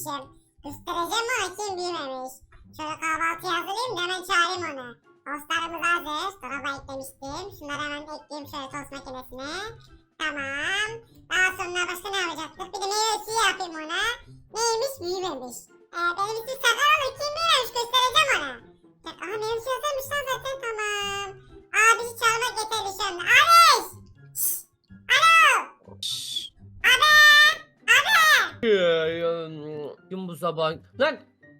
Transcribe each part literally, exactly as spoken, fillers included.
büyümemişim. Göstereceğim ona kim büyümemiş. Şöyle kahvaltı hazırlayayım da hemen çağırayım onu. Tostlarımız hazır. Dolaba eklemiştim. Şunları hemen ekleyeyim şöyle tost makinesine. Tamam. Daha sonra başka ne yapacaktık? Bir de meyve suyu yapayım ona. Neymiş? Büyümemiş. Ee, benim için sakar olur. Kim büyümemiş? Göstereceğim ona. Aha meyve suyu hazırmış lan zaten. Tamam. Abisi çalmak yeterli şu anda. Abiş! Şşş! Alo! Abi! Abi! Kim bu sabah? Lan!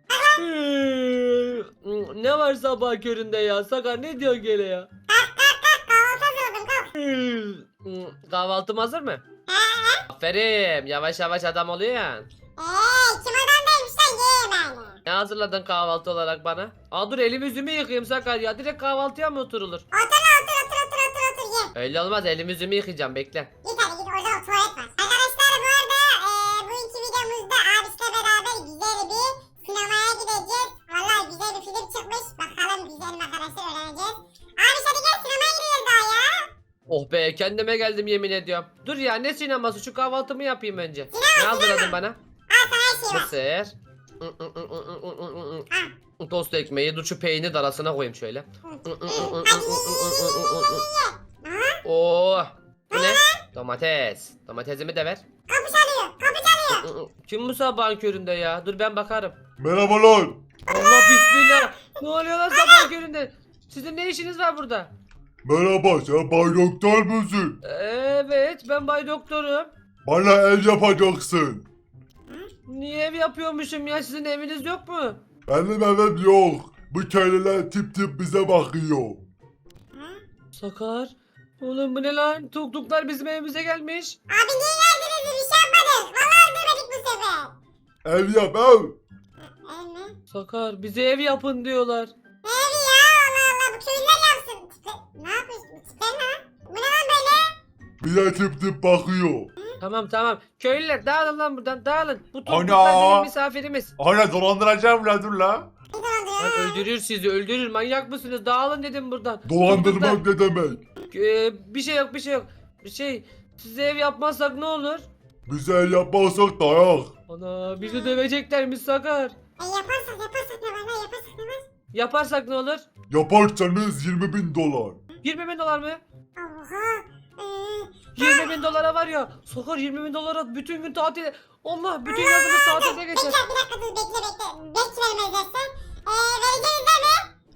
Ne var sabah köründe ya? Sakar ne diyor gele ya? Kalk kalk kalk kahvaltı hazırladım kalk. Kahvaltım hazır mı? Aferin. Yavaş yavaş adam oluyor ya. Eee kim adam değilmiş lan yiyeyim yani. Ne hazırladın kahvaltı olarak bana? Aa dur elimi yüzümü yıkayayım Sakar ya. Direkt kahvaltıya mı oturulur? Otur lan otur otur otur otur otur ye. Öyle olmaz, elimi yüzümü yıkayacağım, bekle. Git hadi git orada o tuvalet var. Arkadaşlar bu arada eee bugünkü videomuzda abisiyle beraber güzel bir sinemaya gideceğiz. Vallahi güzel bir film çıkmış. Bakalım güzel mi arkadaşlar öğreneceğiz. Abi hadi gel sinemaya gidiyoruz daha ya. Oh be, kendime geldim yemin ediyorum. Dur ya, ne sineması, şu kahvaltımı yapayım önce. Ne hazırladın bana? Al sana her şey var. Mısır. Tost ekmeği, dur şu peynir de arasına koyayım şöyle. Oh, bu ne? Domates. Domatesimi de ver. Kapı çalıyor kapı çalıyor. Kim bu sabahın köründe ya? Dur ben bakarım. Merhabalar. Allah bismillah. Ne oluyor lan sabahın köründe? Sizin ne işiniz var burada? Merhaba, sen Bay Doktor musun? Evet, ben Bay Doktorum. Bana el yapacaksın. Niye ev yapıyormuşum ya? Sizin eviniz yok mu? Benim evim yok. Bu köylüler tip tip bize bakıyor. Sakar. Oğlum bu ne lan? Tuktuklar bizim evimize gelmiş. Abi niye geldiniz bir şey yapmadık. Vallahi öldürmedik bu sefer. Ev yap ev. Ev mi? Sakar bize ev yapın diyorlar. Ev ya Allah Allah bu köylüler yapsın. Tipe, ne yapıyorsun? Tipe ne lan? Bu ne lan böyle? Bize tip tip bakıyor. Tamam tamam. Köylüler dağılın lan buradan, dağılın. Bu Ana! tuktuklar bizim misafirimiz. Ana dolandıracağım la dur la. Ne dolandırıyor? Lan öldürür sizi, öldürür. Manyak mısınız? Dağılın dedim buradan. Dolandırmak ne demek? Ee, bir şey yok, bir şey yok. Bir şey, size ev yapmazsak ne olur? Bize el yapmazsak dayak. Ana bizi döveceklermiş Sakar. E yaparsak yaparsak ne var lan yaparsak ne var? Yaparsak ne olur? Yaparsanız yirmi bin dolar. yirmi bin dolar mı? Oha. Ee, yirmi bin dolara var ya. Sakar yirmi bin dolara bütün gün tatil. Allah bütün yazımız tatilde geçer. bekle bir dakika dur bekle bekle. Bekle vermez dersen. Eee vereceğiz değil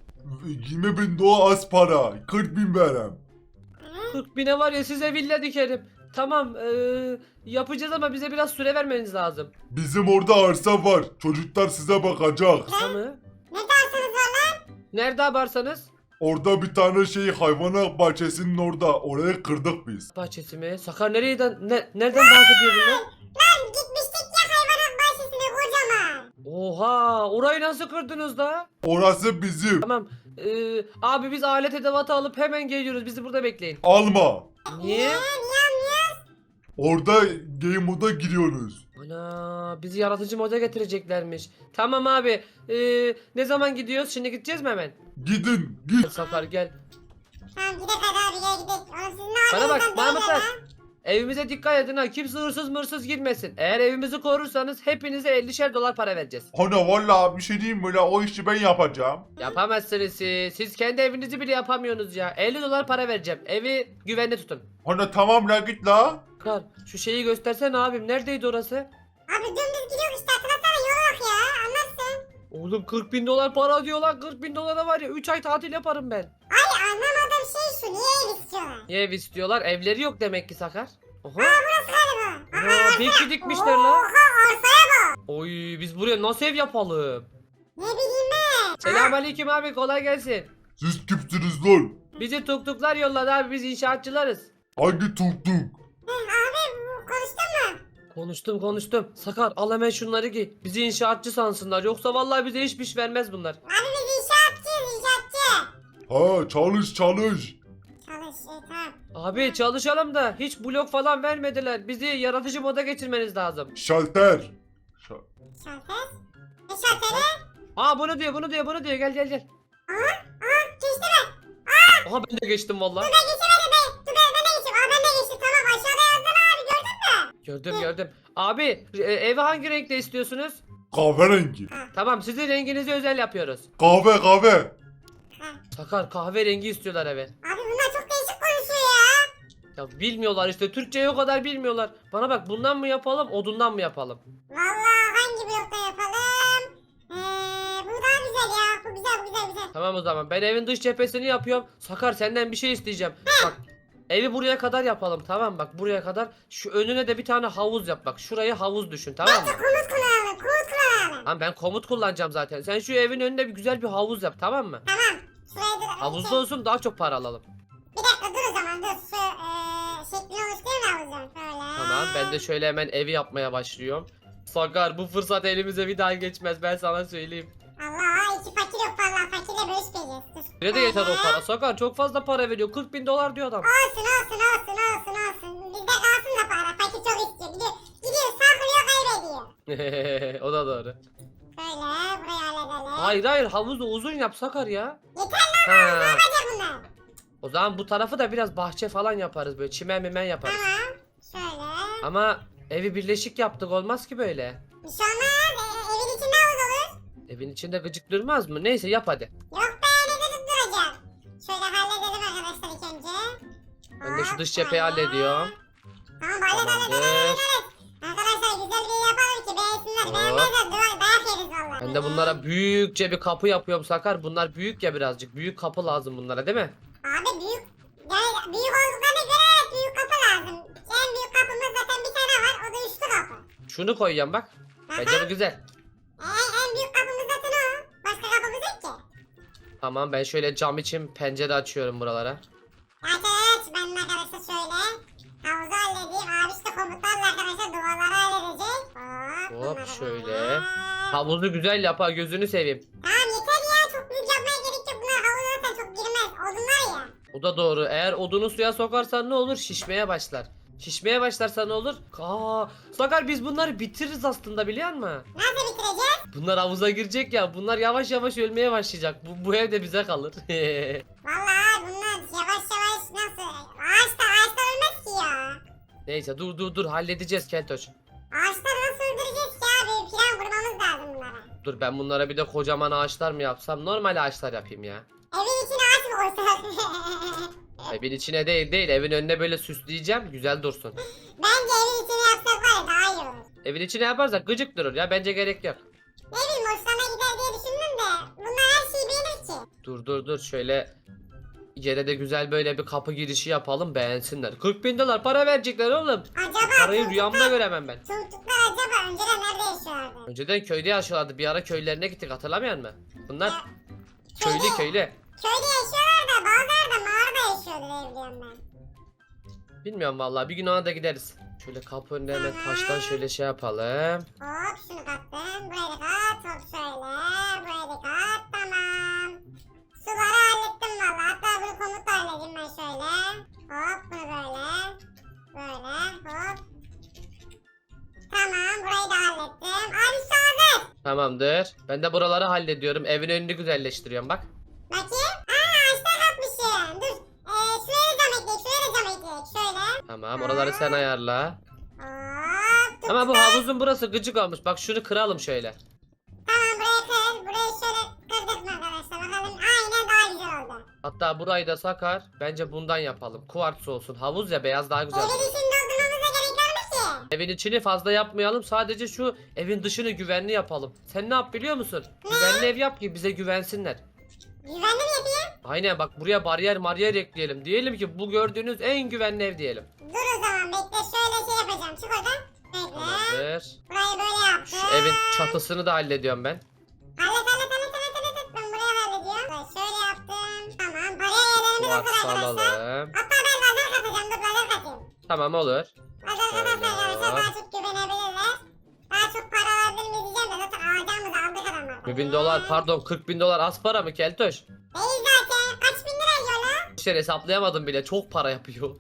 mi? yirmi bin dolar az para. kırk bin verem. kırk bine var ya size villa dikerim. Tamam eee, yapacağız ama bize biraz süre vermeniz lazım. Bizim orada arsa var. Çocuklar size bakacak. Tamam mı? Ne dersiniz var lan? Nerede abarsanız? Orada bir tane şey hayvanat bahçesinin orada. Orayı kırdık biz. Bahçesi mi? Sakar nereden, ne, nereden bahsediyor bunlar? Lan gitmiştik ya hayvanat bahçesine kocaman. Oha, orayı nasıl kırdınız da? Orası bizim. Tamam. eee, abi biz alet edevatı alıp hemen geliyoruz. Bizi burada bekleyin. Alma. Niye? Niye anlıyorsun? Orada game moda giriyorsunuz. Ana bizi yaratıcı moda getireceklermiş. Tamam abi. eee, ne zaman gidiyoruz? Şimdi gideceğiz mi hemen? Gidin git. Sakar gel. Tamam gidelim hadi abi gel gidelim. Oğlum siz ne Bana bak yapıyorsunuz Mahmutlar. lan? Evimize dikkat edin ha. Kimse hırsız mırsız girmesin. Eğer evimizi korursanız hepinize ellişer dolar para vereceğiz. Ana valla bir şey diyeyim mi la, o işi ben yapacağım. Yapamazsınız siz. Siz kendi evinizi bile yapamıyorsunuz ya. elli dolar para vereceğim. Evi güvenli tutun. Ana tamam la git la. Kar şu şeyi göstersene abim. Neredeydi orası? Abi dümdüz gidiyor işte hatırlasana yola bak ya anlarsın. Oğlum kırk bin dolar para diyor lan. kırk bin dolara var ya üç ay tatil yaparım ben. Abi anlamadığım şey şu niye ev istiyorlar? Niye ev istiyorlar? Evleri yok demek ki Sakar. Oha. Burası galiba. Aa, belki dikmişler la. Oha arsaya bak. Oy biz buraya nasıl ev yapalım? Ne bileyim ben. Selamünaleyküm abi, kolay gelsin. Siz kimsiniz lan? Bizi tuktuklar yolladı abi, biz inşaatçılarız. Hangi tuktuk? Heh, abi bu- konuştun mu? Konuştum konuştum. Sakar al hemen şunları giy. Bizi inşaatçı sansınlar. Yoksa vallahi bize hiçbir iş vermez bunlar. Abi biz inşaatçıyız inşaatçı. Ha çalış çalış. Çalış e, tamam. Abi çalışalım da hiç blok falan vermediler. Bizi yaratıcı moda geçirmeniz lazım. Şalter. Şa- Şalter. Ne şalteri? Aa bunu diyor bunu diyor bunu diyor, gel gel gel. Aha geçti mi? Aha ben de geçtim vallahi. Ben geçemedim be. Dur ben, ben de geçeyim. Aa ben de geçtim tamam aşağıda yazdılar abi gördün mü? Gördüm gördüm. Abi e, evi hangi renkte istiyorsunuz? Kahverengi. Tamam, sizin renginizi özel yapıyoruz. Kahve kahve. Sakar, kahverengi istiyorlar eve. Abi bunlar çok değişik konuşuyor ya. Ya bilmiyorlar işte, Türkçeyi o kadar bilmiyorlar. Bana bak, bundan mı yapalım, odundan mı yapalım? Vallahi hangi blokta yapalım? Ee, bu daha güzel ya. Bu güzel, bu güzel, güzel. Tamam o zaman, ben evin dış cephesini yapıyorum. Sakar, senden bir şey isteyeceğim. Bak, evi buraya kadar yapalım, tamam bak, buraya kadar. Şu önüne de bir tane havuz yap, bak şurayı havuz düşün, tamam mı? Komut kullanalım, komut kullanalım. Tamam, ben komut kullanacağım zaten. Sen şu evin önünde bir güzel bir havuz yap, tamam mı? Tamam. Şuraya dur. Havuzda olsun, daha çok para alalım. Bir dakika dur o zaman dur. Şu ee, şeklini oluşturayım da havuzun. Şöyle. Tamam, ben de şöyle hemen evi yapmaya başlıyorum. Sakar, bu fırsat elimize bir daha geçmez, ben sana söyleyeyim. Allah, iki fakir yok vallahi. Fakirle bölüşmeyeceğiz. Dur. Ne de yeter o Ee, para. Sakar, çok fazla para veriyor. kırk bin dolar diyor adam. Olsun olsun olsun olsun olsun. Bizde kalsın da para. Fakir çok istiyor. Gidiyor, gidiyor saklıyor kaybediyor. O da doğru. Şöyle burayı halledelim. Hayır hayır, havuzu uzun yap Sakar ya. Yeter Ha. lan, ne yapacak bunlar? O zaman bu tarafı da biraz bahçe falan yaparız, böyle çimen mimen yaparız. Tamam. Şöyle. Ama evi birleşik yaptık, olmaz ki böyle. Bir şey olmaz. E, evin içinde havuz olur. Evin içinde gıcık durmaz mı? Neyse, yap hadi. Yok be, ne de tutturacak. Şöyle halledelim arkadaşlar ilk önce. Ben de şu Hop, dış cepheyi şöyle. hallediyorum. Tamam hallet hallet hallet Tamamdır. hallet. Arkadaşlar güzel bir şey yapalım ki beğensinler. Hop. Beğenmezler duvar dayak yeriz valla. Ben de bunlara büyükçe bir kapı yapıyorum Sakar. Bunlar büyük ya birazcık. Büyük kapı lazım bunlara, değil mi? Abi büyük. Yani büyük olduklarına göre evet büyük kapı lazım. En büyük kapımız zaten bir tane var. O da üçlü kapı. Şunu koyacağım bak. Bence bu güzel. En, en büyük kapımız zaten o. Başka kapımız yok ki. Tamam, ben şöyle cam için pencere açıyorum buralara. Aç aç. Ben de arkadaşlar şöyle. Havuzu halledeyim. Abi işte komutlarla arkadaşlar duvarları halledecek. Hop. Hop, bunları şöyle. böyle. Havuzu güzel yap ha, gözünü seveyim. Tamam yeter ya. Çok büyük yapmaya gerek yok. Bunlar havuza zaten çok girmez. Odunlar ya. O da doğru. Eğer odunu suya sokarsan ne olur? Şişmeye başlar. Şişmeye başlarsa ne olur? Aa, Sakar, biz bunları bitiririz aslında, biliyor musun? Nasıl bitireceğiz? Bunlar havuza girecek ya. Bunlar yavaş yavaş ölmeye başlayacak. Bu, bu ev de bize kalır. Vallahi bunlar yavaş yavaş nasıl? Ağaçta ağaçta ölmez ki ya. Neyse, dur dur dur, halledeceğiz Keltoş. Ağaçları nasıl öldüreceğiz ki abi? Plan kurmamız lazım bunlara. Dur, ben bunlara bir de kocaman ağaçlar mı yapsam? Normal ağaçlar yapayım ya. Evin içine ağaç mı koysak? Evin içine değil değil, evin önüne böyle süsleyeceğim, güzel dursun. Bence evin içine yapsak var ya daha iyi olur. Evin içine yaparsak gıcık durur ya, bence gerek yok. Ne bileyim hoşlarına gider diye düşündüm de. Bunlar her şeyi beğenir ki. Dur dur dur, şöyle yere de güzel böyle bir kapı girişi yapalım, beğensinler. kırk bin dolar para verecekler oğlum. Acaba Parayı rüyamda göremem ben. çocuklar acaba önceden nerede yaşıyorlardı? Önceden köyde yaşıyorlardı, bir ara köylerine gittik, hatırlamıyor musun? Bunlar Ya, köylü köyde- köylü. Köyde yaşıyorlar da bazıları da mağarada yaşıyordu diye biliyorum ben. Bilmiyorum vallahi, bir gün ona da gideriz. Şöyle kapı önüne hemen taştan şöyle şey yapalım. Hop şunu kattım. Burayı da kat. Hop şöyle. Burayı da kat. Tamam. Suları hallettim valla. Hatta bunu komutla halledeyim ben şöyle. Hop bunu böyle. Böyle hop. Tamam burayı da hallettim. Abi şu hazır. Tamamdır. Ben de buraları hallediyorum. Evin önünü güzelleştiriyorum bak. Bakayım. Aa ağaçta katmışım. Dur. Ee, şuraya da cam ekleyek. Şuraya da cam ekleyek. Şöyle. Tamam, oraları sen ayarla. Hop. Dur. Ama bu havuzun burası gıcık olmuş. Bak şunu kıralım şöyle. Tamam burayı kır. Burayı şöyle kırdık mı arkadaşlar? Bakalım. Aynen daha güzel oldu. Hatta burayı da Sakar, bence bundan yapalım. Kuvartz olsun. Havuz ya, beyaz daha güzel. Evin içinde doldurmamıza gerek var mı ki? Evin içini fazla yapmayalım. Sadece şu evin dışını güvenli yapalım. Sen ne yap biliyor musun? Güvenli ev yap ki bize güvensinler. Güvenli mi yapayım? Aynen, bak buraya bariyer mariyer ekleyelim. Diyelim ki bu gördüğünüz en güvenli ev diyelim. Dur o zaman bekle şöyle şey yapacağım. Çık oradan. Bekle. Tamamdır. Burayı böyle yaptım. Şu evin çatısını da hallediyorum ben. Hallet hallet hallet hallet hallet. Ben buraya hallediyorum. Böyle şöyle yaptım. Tamam. Buraya yerlerimiz hazır Kuvartz arkadaşlar. alalım. Hatta ben lazer katacağım. Dur lazer katayım. Tamam, olur. Lazer katarsak Şöyle. arkadaşlar daha çok güvenebilirler. Daha çok para alabilir miyiz diyeceğim de zaten alacağımızı aldık adamlardan. Bir bin dolar, pardon kırk bin dolar az para mı Keltoş? Değil zaten. Kaç bin lira yiyor lan? İşte hesaplayamadım bile, çok para yapıyor.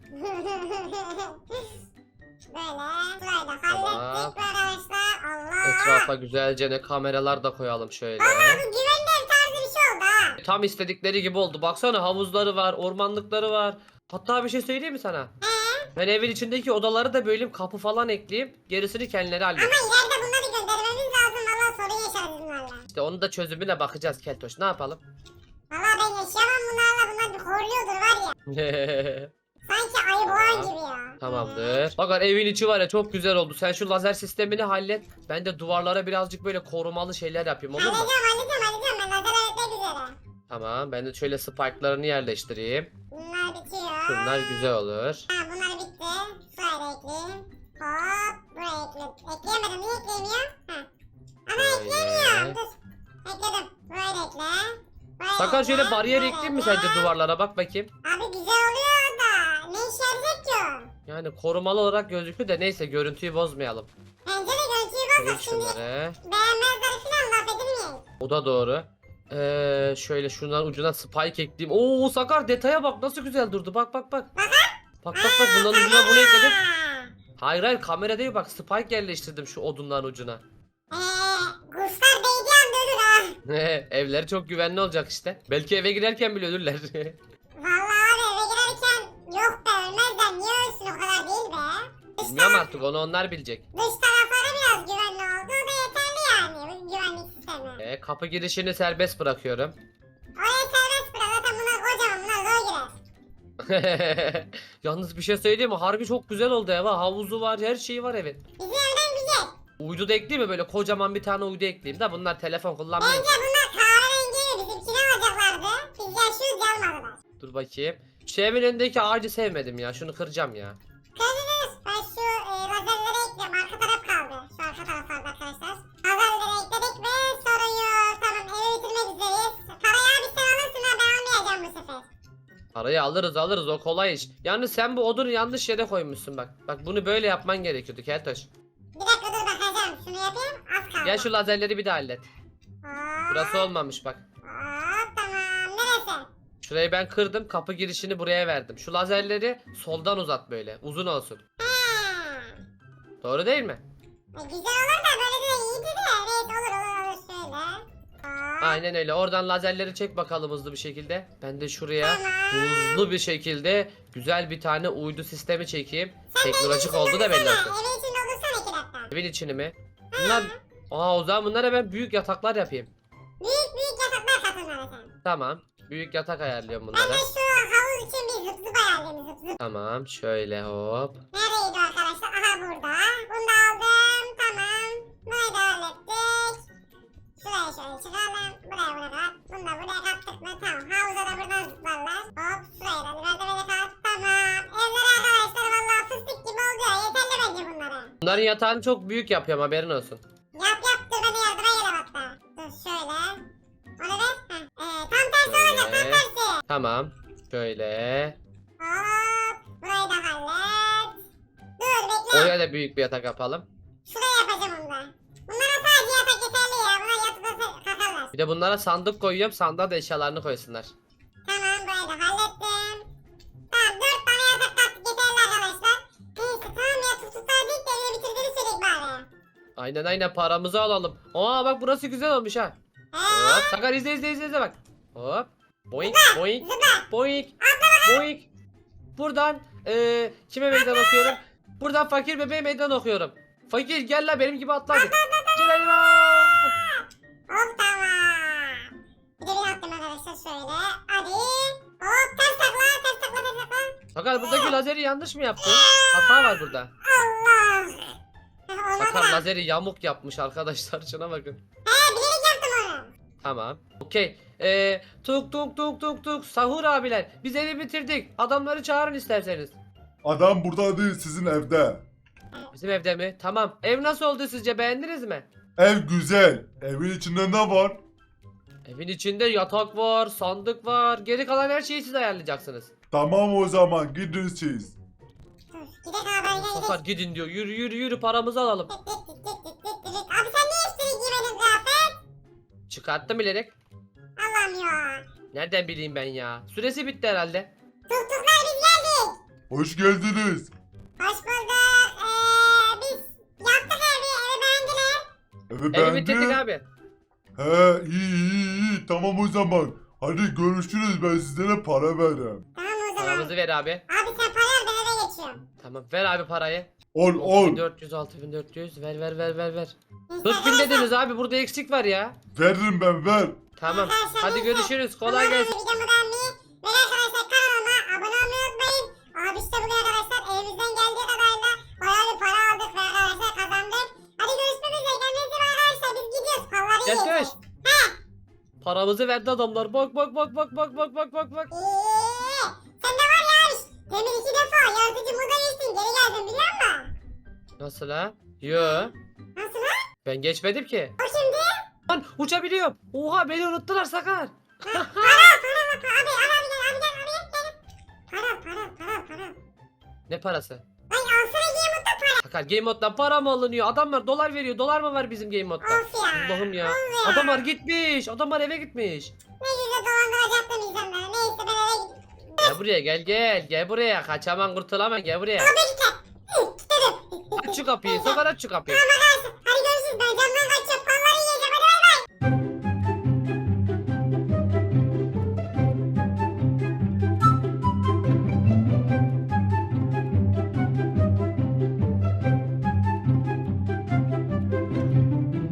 Böyle. Burayı da Tamam. hallettik arkadaşlar. Allah. Etrafa güzelce ne kameralar da koyalım şöyle. Vallahi bu güvenli ev tarzı bir şey oldu ha. Tam istedikleri gibi oldu. Baksana, havuzları var, ormanlıkları var. Hatta bir şey söyleyeyim mi sana? Ben evin içindeki odaları da böleyim, kapı falan ekleyeyim. Gerisini kendileri Ama halleder. ileride bunları göndermemiz lazım. Valla yaşarız bunlarla? İşte onun da çözümüne bakacağız Keltoş. Ne yapalım? Valla ben yaşayamam bunlarla. Bunlar bir horluyordur var ya. Sanki ayı boğan gibi ya. Tamamdır. Bakın evin içi var ya çok güzel oldu. Sen şu lazer sistemini hallet. Ben de duvarlara birazcık böyle korumalı şeyler yapayım olur mu? Halledeceğim halledeceğim halledeceğim. Ben lazer öğretmek üzere. Tamam ben de şöyle spike'larını yerleştireyim. Bunlar bitiyor. Şunlar güzel olur. Ha bunlar bitti. Şuraya da ekleyeyim. Hop buraya ekle. Ekleyemedim. Niye ekleyemiyorum? Ha. Ana ekleyemiyorum. Böyle. Dur. Ekledim. Burayı da ekle. Burayı Sakar ekle, şöyle bariyer burayı ekleyeyim mi ekle. sence duvarlara bak bakayım. Abi güzel oluyor da. Ne işe yarayacak ki o? Yani korumalı olarak gözüküyor da neyse görüntüyü bozmayalım. Bence de görüntüyü Kırayım bozma şimdi. şunları. Beğenmezler falan laf edilmeyin. O da doğru. Ee, şöyle şundan ucuna spike ekleyeyim. Oo Sakar detaya bak nasıl güzel durdu. Bak bak bak. Bak bak bak bundan ucuna bunu ekledim. Hayır hayır kamera değil bak spike yerleştirdim şu odunların ucuna. Eee kuşlar değdiği anda ölür ha. Evleri çok güvenli olacak işte. Belki eve girerken bile ölürler. Vallahi abi eve girerken yok be ölmezler niye ölsün o kadar değil be. Dış, Bilmiyorum taraf, artık onu onlar bilecek. dış tarafları biraz güvenli oldu o da yeterli yani bu güvenlik sistemi. Ee, kapı girişini serbest bırakıyorum. Oraya serbest bırak zaten bunlar kocaman bunlar zor girer. Yalnız bir şey söyleyeyim mi? Harbi çok güzel oldu ev ha. Havuzu var, her şeyi var evin. Bizim evden güzel. Uydu da ekleyeyim mi? Böyle kocaman bir tane uydu ekleyeyim de bunlar telefon kullanmıyor. Bence bunlar kahverengi mi bizimkini alacaklardı. Biz yaşıyoruz almadılar. Dur bakayım. Şu evin önündeki ağacı sevmedim ya. Şunu kıracağım ya. Kırdınız. Ben şu e, lazerleri ekliyorum. Arka taraf kaldı. Şu arka taraflarda arkadaşlar. Lazerleri ekledik ve sorun yok. Tamam evi bitirmek üzereyiz. Parayı abi sen alırsın ha ben almayacağım bu sefer. Parayı alırız alırız o kolay iş. Yalnız sen bu odunu yanlış yere koymuşsun bak. Bak bunu böyle yapman gerekiyordu Keltoş. Bir dakika dur bakacağım. Şunu yapayım. Az kaldı. Gel şu lazerleri bir de hallet. Hop, Burası olmamış bak. hop, tamam. Neresi? Şurayı ben kırdım. Kapı girişini buraya verdim. Şu lazerleri soldan uzat böyle. Uzun olsun. Ha. Doğru değil mi? E, güzel olur da böyle de iyiydi de. Evet olur olur olur şöyle. Hop, Aynen öyle. Oradan lazerleri çek bakalım hızlı bir şekilde. Ben de şuraya tamam. hızlı bir şekilde güzel bir tane uydu sistemi çekeyim. Sen Teknolojik evin oldu içinde da belli dursana, olsun. Evin içinde olursana iki dakika. Evin içini mi? Bunlar... Aa o zaman bunlara ben büyük yataklar yapayım. Büyük büyük yataklar katılmalı sen. Tamam. Büyük yatak ayarlıyorum Ben bunlara. de şu havuz için bir zıp zıp ayarlayayım zıp zıp. Tamam. Şöyle hop. Neredeydi o arkadaşlar? Aha burada. Bunu da aldım. Tamam. Burayı da hallettik. Şuraya şöyle çıkalım. Buraya bunu kat. Bunu da buraya kattık mı? Tamam. Havuza da buradan zıplarlar. Hop şuraya da biraz da böyle kat. Tamam. Evler arkadaşlar vallahi fıstık gibi oldu ya. Yeterli bence bunlara. Bunların yatağını çok büyük yapıyorum haberin olsun. Yap yap dur beni yardıma gel hatta. Dur şöyle. Onu ver. Heh. Ee, tam tersi olacak tam Şöyle. tersi. Tamam. Şöyle. Hop. Burayı da hallet. Dur bekle. Oraya da büyük bir yatak yapalım. Şuraya yapacağım onu da. Bunlara sadece yatak yeterli ya. Buna yatıp da kalkarlar. Bir de bunlara sandık koyuyorum. Sandığa da eşyalarını koysunlar. Tamam burayı da hallettim. Tamam dört tane yatak kattık yeterli arkadaşlar. Neyse tamam ya tutuklar değil de evini bitirdiğini söyledik bari. Aynen aynen paramızı alalım. Aa bak burası güzel olmuş ha. Eee Hop Sakar izle izle izle izle bak. Hop. Boink boink zıpla. boink boink. Buradan eee kime meydan okuyorum? Buradan fakir bebeğe meydan okuyorum. Fakir gel la benim gibi atla hadi. Gel hadi. Hop tamam. Bir de bir attım arkadaşlar şöyle. Hadi. Hop ters takla ters takla ters takla. Sakar buradaki lazeri yanlış mı yaptın? Hata var burada. Allah. Olmadı. Sakar lazeri yamuk yapmış arkadaşlar şuna bakın. He bilerek yaptım onu. Tamam. Okey. Ee, tuk tuk tuk tuk tuk. Sahur abiler. Biz evi bitirdik. Adamları çağırın isterseniz. Adam burada değil sizin evde. Bizim evde mi? Tamam. Ev nasıl oldu sizce? Beğendiniz mi? Ev güzel. Evin içinde ne var? Evin içinde yatak var, sandık var. Geri kalan her şeyi siz ayarlayacaksınız. Tamam o zaman gidin siz. Dur gidelim abi gel gidelim. Sakar gidin diyor. Yürü yürü yürü paramızı alalım. Tık tık tık tık tık tık tık. Abi sen niye üstüne giymedin kıyafet? Çıkarttım bilerek. Allah'ım ya. Nereden bileyim ben ya? Süresi bitti herhalde. Tuktuklar biz geldik. Hoş geldiniz. Hoş bulduk. Ee, biz yaptık evi. Evi beğendiler. Evi Evi bitirdik beğendin? abi. He iyi iyi iyi tamam o zaman. Hadi görüşürüz ben sizlere para veririm. Tamam o zaman. Paramızı ver abi. Abi sen para ver ben eve geçiyorum. Tamam ver abi parayı. Ol ol. altı bin dört yüz altı bin dört yüz ver ver ver ver ver. Neyse kırk bin arkadaşlar, dediniz abi burada eksik var ya. Veririm ben ver. Tamam arkadaşlar hadi neyse. görüşürüz kolay Umarım gelsin. videomu beğenmeyi ve arkadaşlar kanalıma abone olmayı unutmayın. Abi işte bugün arkadaşlar elimizden geldiği kadarıyla bayağı bir para aldık ve arkadaşlar kazandık. Hadi görüşmek üzere. Kendinize iyi bakın arkadaşlar. Biz gidiyoruz. Kolları Gel yiyin. göz. Paramızı verdi adamlar. Bak bak bak bak bak bak bak bak bak. Eee, sen de var ya abi. Demin iki defa yazıcı moda geçtin. Geri geldin biliyor musun? Nasıl ha? Yo. Nasıl lan? Ben geçmedim ki. O şimdi? Lan uçabiliyorum. Oha beni unuttular Sakar. Para para bak. Abi al abi gel abi gel abi gel. gel. Para para para para. Ne parası? Ay alsana giye mutlu para. Sakar Game Mode'dan para mı alınıyor? Adamlar dolar veriyor. Dolar mı var bizim Game Mode'da? Of ya. Allah'ım ya. Of ya. Adamlar gitmiş. Adamlar eve gitmiş. Ne güzel dolandıracaktım insanları. Neyse ben eve gideyim. Gel buraya gel gel. Gel buraya. Kaçaman kurtulaman gel buraya. Abi git lan. Hı, Dedim. Aç şu kapıyı. Sakar aç şu kapıyı. Tamam arkadaşlar. Hadi görüşürüz. Ben camdan kaçıyorum.